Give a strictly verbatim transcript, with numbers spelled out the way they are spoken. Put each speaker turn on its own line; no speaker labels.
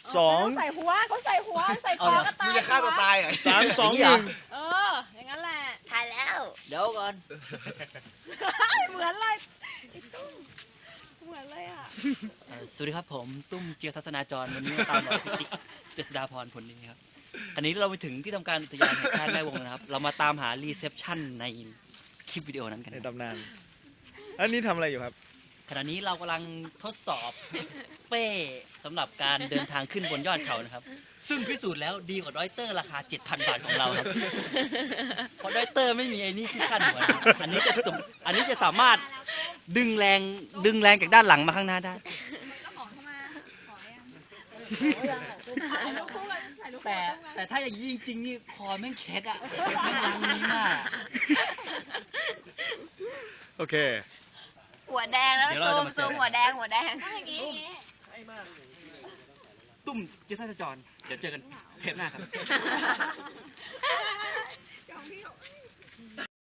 สอง
ใส่หัวเขาใส่หัวใส่คอก็ตาย
จะฆ่าตัวตายเหรอ
สามสองหนึ่ง
เอออย่างนั้นแหละ
ถ่ายแล้ว
เดี๋ยวก่อน
เหมือนเลยไอ้ตุ้มเหมือนเลยอ่ะ
เอ่อสวัสดีครับผมตุ้มเจียทัศนาจรวันนี้มาตามรอยพิติกเจษฎาพรผลดีครับอันนี้เราไปถึงที่ทำการอุทยานแห่งชาติแม่วงนะครับ เรามาตามหารีเซพชันในคลิปวิดีโอนั้นกัน
ใน
ครับ
ตำนาน อันนี้ทำอะไรอยู่ครับ
ขณะนี้เรากำลังทดสอบเป้สำหรับการเดินทางขึ้นบนยอดเขานะครับ ซึ่งพิสูจน์แล้วดีกว่าดอยเตอร์ราคา เจ็ดพัน บาทของเราครับ เพราะดอยเตอร์ไม่มีไอ้นี่ที่ขั้นหัวนะอันนี้จะสมอันนี้จะสามารถดึงแรงดึงแรงจากด้านหลังมาข้างหน้าได้ แต่แต่ถ้าอย่างนี้จริงๆนี่คอแม่งเคล็ดอะแม่งลังนี้มาก
โอเค
หัวแดงแล้ว
เดี๋ยวเรา
ตู
จะ
ม
มาเจ
ตู
อ
มหัวแดงหัวแดงอย่างงี้อย่างงี้
ตุ้มเจสันจรเดี๋ยวเจอกันเทปหน้าครับ